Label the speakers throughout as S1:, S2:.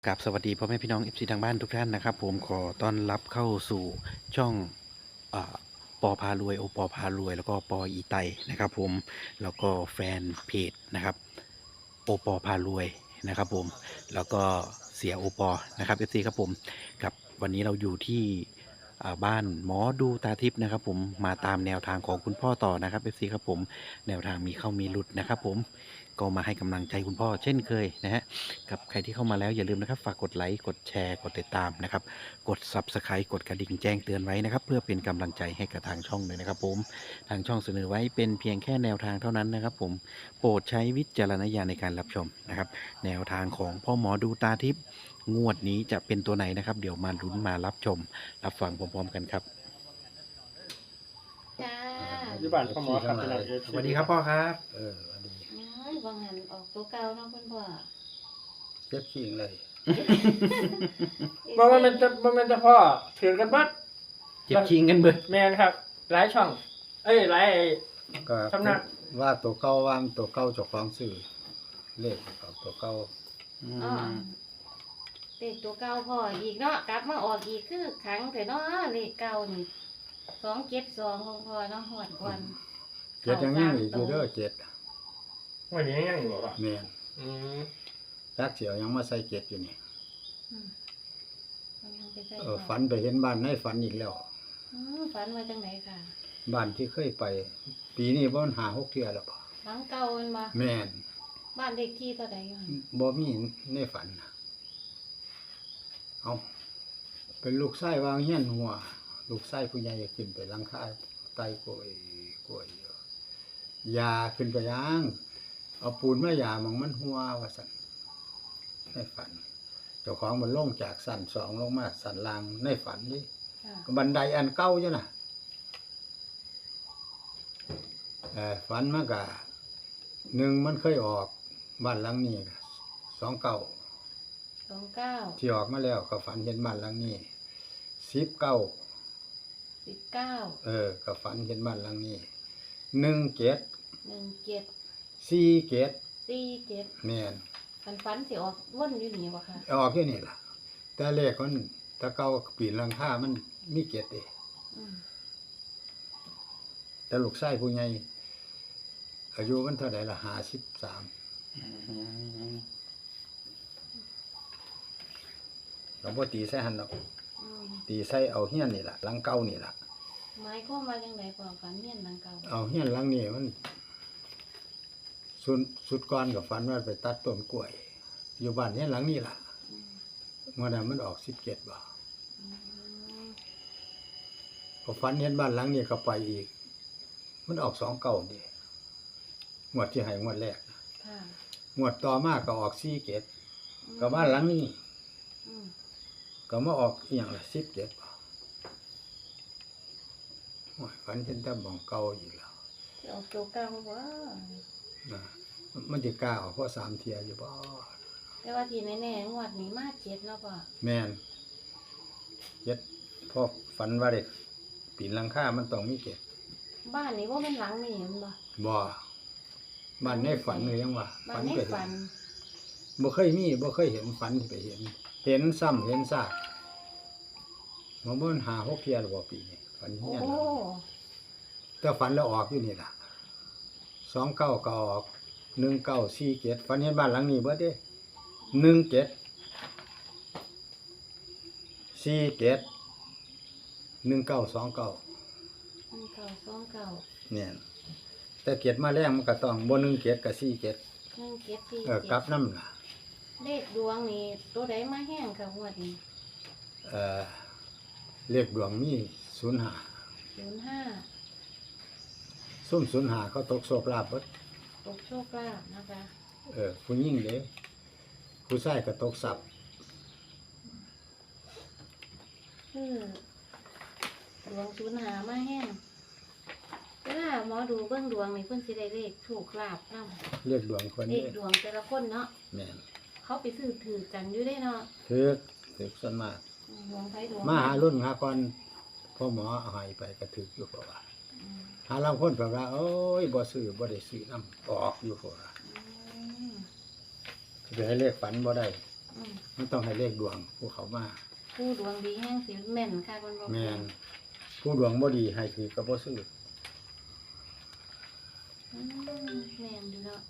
S1: กับสวัสดีพ่อแม่พี่น้อง FC ทางบ้านทุกท่านนะครับผมขอต้อนรับเข้าสู่ช่องอ่าปอพารวยโอปอพารวยแล้วก็ปออีไตนะครับผมแล้วก็แฟนเพจนะครับโอปอพารวยนะครับผมแล้วก็เสียโอปอนะครับ FC ครับผมกับวันนี้เราอยู่ที่บ้านหมอดูตาทิพย์นะครับผมมาตามแนวทางของคุณพ่อต่อนะครับ FC ครับผมแนวทางมีเข้ามีหลุดนะครับผมก็มาให้กำลังใจคุณพ่อเช่นเคยนะฮะ กับใครที่เข้ามาแล้วอย่าลืมนะครับฝากกดไลค์กดแชร์กดติดตามนะครับกด Subscribe กดกระดิ่งแจ้งเตือนไว้นะครับเพื่อเป็นกำลังใจให้กับทางช่องเลยนะครับผมทางช่องเสนอไว้เป็นเพียงแค่แนวทางเท่านั้นนะครับผมโปรดใช้วิจารณญาณในการรับชมนะครับแนวทางของพ่อหมอดูตาทิพย์งวดนี้จะเป็นตัวไหนนะครับเดี๋ยวมาลุ้นมารับชมรับฟังพร้อมๆกันครับ
S2: จ้า
S3: อยู่บ้านพ่อหมอครับพี่น้อง
S1: สวัสดีครับพ่อครับ
S4: อันนี้
S2: น้อยบางหันออกตัวเก่าเนาะคุณพ่อ
S4: เจ็บขิงเลย
S3: บ่มันเป็นแต่พ่อถือกันบัด
S1: เจ็บชิงกันเบิด
S3: แม่นครับ หลายช่อง หลาย
S4: ก็
S3: สำนัก
S4: ว่าตัวเก่าว่ามันตัวเก่าเจ้าของซื้อเลขกับตัวเก่า
S2: อ๋อเลขตัวเก่าพ่ออีกเนาะกลับมาออกอีกคือครั้งแต่เนาะเลขเก่านี่272ของพ่อเนาะหอดก่อน
S4: เจ็ดยังยังอีกอยู่เด้อเจ็ด
S3: วันนี้ยังอยู่บ่
S4: แม่น
S3: อืม
S4: จักเสียวยังมาใส่เจ็ดอยู่นี่
S2: อืมเอายังไปใส่
S4: ฝันไปเห็นบ้านในฝันอีกแล้ว
S2: ฝันว่าจังไหนค่ะ
S4: บ้านที่เคยไป ปีนี้บ่มัน5-6เทื่อแล้วบ่
S2: หลังเก่ามันมา
S4: แม่น
S2: บ้านเลขที่เท่าใดอยู่หั่น
S4: บ่มีในฝันน่ะเอาเป็นลูกชายวางเฮียนหัว ลูกชายผู้ใหญ่ขึ้นไปหลังคาไต่กล้วยอยู่ยาขึ้นไปย่างเอาปูนมายามันหัวว่าซั่นในฝัน เจ้าของมันลงจากสั่นสองลงมาสั่นล่างในฝันนี่
S2: ค่ะ
S4: บันไดอันเก่าจ้ะน่ะฝันมันก็หนึ่งมันเคยออกบ้านหลังนี้29
S2: 29
S4: ที่ออกมาแล้วก็ฝันเห็นบ้านหลังนี้19
S2: 19
S4: ก็ฝันเห็นบ้านหลังนี้17
S2: 17
S4: 47
S2: 47
S4: แม่น
S2: ฝันสิออกวนอยู่นี่บ่ค่ะ
S4: ออกแค่นี้ล่ะ แต่เลขมันแตะเก่าปีนหลังคามันมีเกตเด้
S2: อืม
S4: แต่ลูกชายผู้ใหญ่อายุมันเท่าใดล่ะ53เราบ่ตีใส่หันดอก
S2: อืม
S4: ตีใส่เอาเฮียนนี่ล่ะหลังเก่านี่ล่ะ
S2: หมายความว่าจังไดพ่อฝันเฮียนหลังเก่า
S4: เอาเฮียนหลังนี้มันสุดก่อนก็ฝันว่าไปตัดต้นกล้วย อยู่บ้านเฮียนหลังนี้ล่ะ
S2: อืม
S4: เมื่อนั้นมันออก17บ่
S2: อืม
S4: พอฝันเห็นบ้านหลังนี้ก็ไปอีก มันออก29นี่งวดที่ให้งวดแรก
S2: ค่ะ
S4: งวดต่อมาก็ออก47ก็บ้านหลังนี้
S2: อืม
S4: ก็มาออกอีหยังล่ะ17บ่โอ้ยฝันเห็นแต่บ่องเก่าอีกแล้ว
S2: สิออกตัวเก่าบ่
S4: นะมันจะกล้าออกเพราะ3เที่ยอยู่บ่
S2: แต่ว่าที่แน่ๆงวดนี้มา7เนาะพ่อ
S4: แม่น7พอฝันว่าได้ปีนหลังคามันต้องมี7
S2: บ้านนี้บ่แม่นหลังนี่แม่นบ่
S4: บ่บ้านในฝันเลยยังว่า
S2: บ้านใน
S4: ไป
S2: ฝัน
S4: บ่เคยมีบ่เคยเห็นฝันที่ไปเห็น เห็นซ้ำเห็นซากมันบ่มัน5-6เที่ยแล้วบ่ปีนี้ฝัน
S2: โอ้
S4: เฮียนแต่ฝันแล้วออกอยู่นี่ล่ะ29ก็ออก1947ฝันเห็นบ้านหลังนี้เบิดเด้17 47 1929
S2: 1929
S4: เนี่ยแต่เกียรติมาแรงมันก็ต้องบ่17ก็47
S2: 1747
S4: กลับนำล่ะ
S2: เลขดวงนี่ตัวใดมาแห้งค่ะงวดนี้
S4: เลขดวงมี05
S2: 05
S4: ซุ่ม05เขาตกโชคลาภเบิด
S2: ตกโชคลาภนะคะ
S4: ผู้หญิงเด้ผู้ชายก็ตกทรัพย์
S2: คือดวง05มาแห้งเวลาหมอดูเบิ่งดวงนี่เพิ่นสิได้เลขโชคลาภนำ
S4: เลขดวงคน
S2: เล
S4: นี้
S2: ขดวงแต่ละคนเนาะ
S4: แม่น
S2: เขาไปซื้อถือกันอยู่ได้เนาะ
S4: ถึกส่วนมาก
S2: ดวงไทยดวง
S4: มาหารุ่นหาก่อนพ่อหมอเอาให้ไปก็ถึกอยู่เพราะว่า
S2: อืม
S4: หาลางคนแบบว่าโอ้ยบ่ซื้อบ่ได้ซื้อนำออกอยู่เพราะว่า
S2: อืม
S4: สิไปให้เลขฝันบ่ได้
S2: ออืม
S4: มันต้องให้เลขดวงพวกเขามา
S2: ผู้ดวงดีแห้งสิแม่นค่ะคนบ่
S4: แม่นผู้ดวงบ่ดีให้ถือก็บ่ซื้อ
S2: อืมแม่นอยู่เนาะ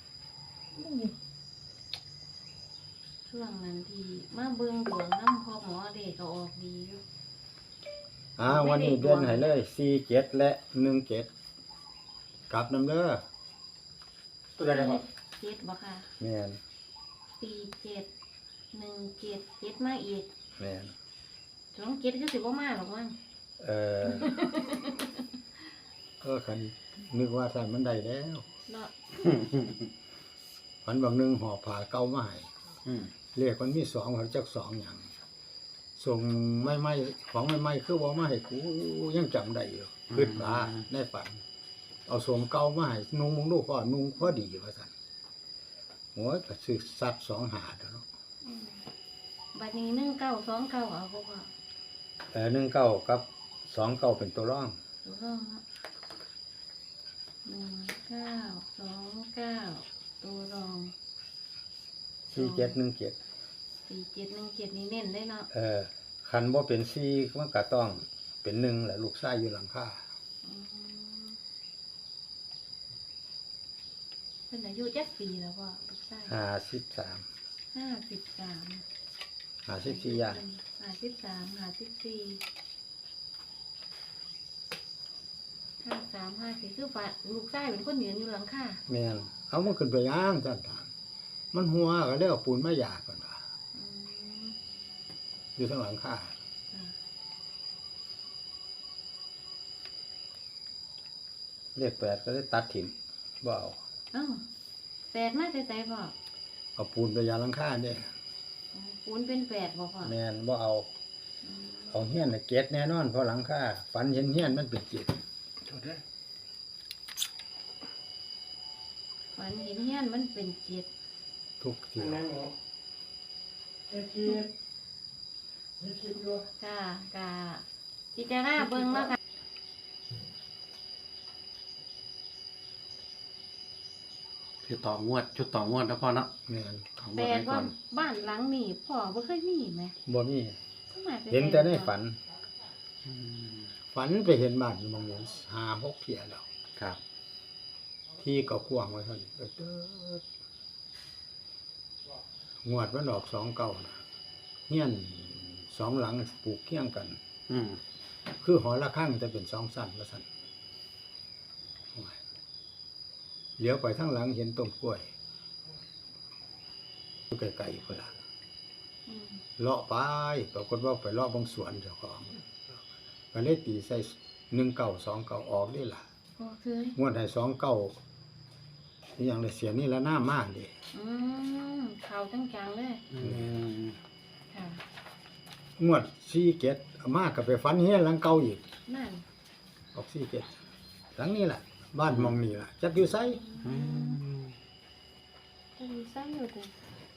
S2: ช่วงนั้นที่มาเบิ่งดวงนำพ่อหมอเด็กก็ออกดีอยู่
S4: วันนี้เดือนให้เลย47และ17กลับนำเด้อ
S3: ตัวใดนะครับ
S2: เจ็ดบ่ค่ะ
S4: แม่น
S2: 4717มาอีก
S4: แม่น
S2: 27คือสิบ่มาหรอกมั้ง
S4: เออ คันนึกว่าใส่มันได้แล้ว
S2: เนาะ
S4: ฝันบางหนึงห่อผ้าเก่ามาให้
S1: อืม
S4: เลขมันมี2หัวจัก2หยังส่งไม่ของไม่คือว่ามาให้กูยังจำได้อยู่คิดว่าในฝัน เอาส่งเก่ามาให้นุ่งมึงดูก่อนนุ่งพอดีว่าซั่นโอ้ยก็ซื้อสัตว์2หาเด้อเนาะ
S2: อืมบัดนี้1929เอาบ่พ่อ
S4: 19กับ29เป็นตัวรอง
S2: ถูกต้องเนาะ1929ตัวรอง
S4: 4717
S2: 4717นี่เน้นได้เนาะ
S4: คันบ่เป็น4มันก็ต้องเป็น1แหละลูกชายอยู่หลังคา
S2: อืมเพิ่นอายุจักปีแล้วพ่อลูกชาย
S4: 53
S2: 53
S4: 54อย่าง
S2: 53 54 53 54คือฝ่าลูกชายเป็นคนยืนอยู่หลังคา
S4: แม่นเอามันขึ้นไปย่างซั่นถามมันหัวก็เลยเอาปูนมาหยาดก่อนว่า
S2: อืม
S4: อยู่ทางหลังคา
S2: ค่ะ
S4: เลข8ก็เลยตัดถิ่มบ่เอา
S2: เอ้าแปดมาแต่ไสพ่อ
S4: เอาปูนไปยาหลังคาเด้
S2: อ๋อปูนเป็นแปดบ่พ่อ
S4: แม่นบ่เอา
S2: อืม
S4: เอาเฮียนน่ะเก็ดแน่นอนเพราะหลังคาฝันเห็นเฮียนมันเป็นเจ็ด
S3: ตัวใด
S2: ฝันเห็นเฮียนมันเป็นเจ็ด
S4: ทุกที
S3: อันนั้นหมอไม่คิดอยู่
S2: จ้ากะพิจารณาเบิ่งเนาะค่ะ
S1: คือต่องวดชุดต่องวดนะพ่อเนาะ
S4: แม่น
S1: ต่องว
S2: แป
S1: ด
S2: ล
S1: ไว้ก่
S2: ว่า
S1: อน
S2: บ้านหลังนี้พ่อบ่เคยมีไหม
S4: บ่มี
S2: ทำไมไป
S4: เห็นแต่ในฝัน
S1: อืม
S4: ฝันไปเห็นบ้านอยู่หมองนี้5-6เที่ยแล้ว
S1: ครับ
S4: ที่ก็กว้างไว้เท่านี้เด้องวดมันออก29น่ะเฮียน2หลังปลูกเคียงกัน
S1: อืม
S4: คือหอละข้างจะเป็น2สั้นว่าซั่นโอ้ยเลี้ยวไปทางหลังเห็นต้นกล้วยอยู่ไกลๆพุ่นล่ะ
S2: อืม
S4: เลาะไปปรากฏว่าไปเลาะบางสวนเจ้าของก็เลยตีใส่1929ออกนี่ล่ะ
S2: บ่เคย
S4: งวดให้29นี่หยังได้เสียนี่ละหน้ามากเด้
S2: อืมเข้าจังๆเลย
S1: อืม
S2: ค่ะ
S4: งวด47เอามาก็ไปฝันเฮียนหลังเก่าอีก
S2: นั่น
S4: ออก47หลังนี้ล่ะ บ้านหมองนี่ล่ะจักอยู่ไส
S1: อืม
S2: จะมีไส้อยู่ติ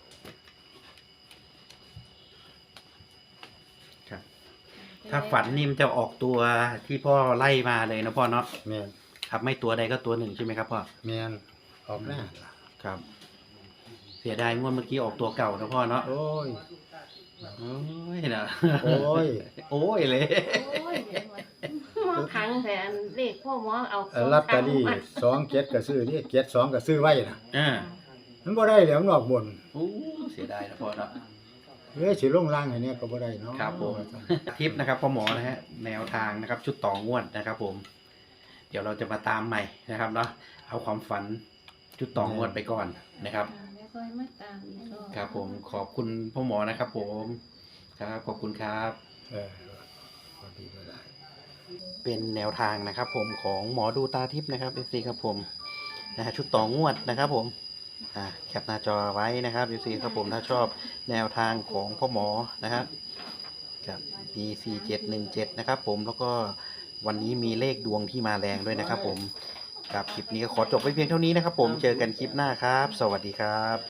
S1: ครับถ้าฝันนี่มันจะออกตัวที่พ่อไล่มาเลยนะพ่อเนาะ
S4: แม่น
S1: ครับไม่ตัวใดก็ตัวหนึ่งใช่ไหมครับพ่อ
S4: แม่นออกหน้าล่ะ
S1: ครับ เสียดายงวดเมื่อกี้ออกตัวเก่านะพ่อเนาะ
S4: โอ้ย
S1: โอ้ยนะ
S4: โอ้ย
S1: โอ้ยเลย
S2: โอ้ยเดี๋ยวว่าหมอขังแต่อันเลขพ่อหมอเอา
S4: ลอตเตอรี่27ก็ซื้อนี่72ก็ซื้อไว้น่ะ
S1: อ่า
S4: มันบ่ได้แล้วมันออกบน
S1: โอ้เสียดายนะพ่อเนาะ
S4: สิลงล่างให้เนี่ยก็บ่ได้เนาะ
S1: ครับผมทิปนะครับพ่อหมอนะฮะแนวทางนะครับ ชุดต่องวดนะครับ ผม เดี๋ยวเราจะมาตามใหม่นะครับเนาะเอาความฝันชุดต่องวดไปก่อนนะครับ
S2: แล้วก็ให้มาตามอีกรอบ
S1: ครับผมขอบคุณพ่อหมอนะครับ ผมครับขอบคุณครับ
S4: พอดีก็ได้
S1: เป็นแนวทางนะครับ ผมของหมอดูตาทิพย์นะครับ FC ครับผมนะฮะชุดต่องวดนะครับ ผมแคปหน้าจอไว้นะครับ FC ครับผมถ้าชอบแนวทางของพ่อหมอนะครับกับ B4717 นะครับ ผมแล้วก็วันนี้มีเลขดวงที่มาแรงด้วยนะครับ ผมกับคลิปนี้ก็ขอจบไว้เพียงเท่านี้นะครับ ผมเจอกันคลิปหน้าครับ สวัสดีครับ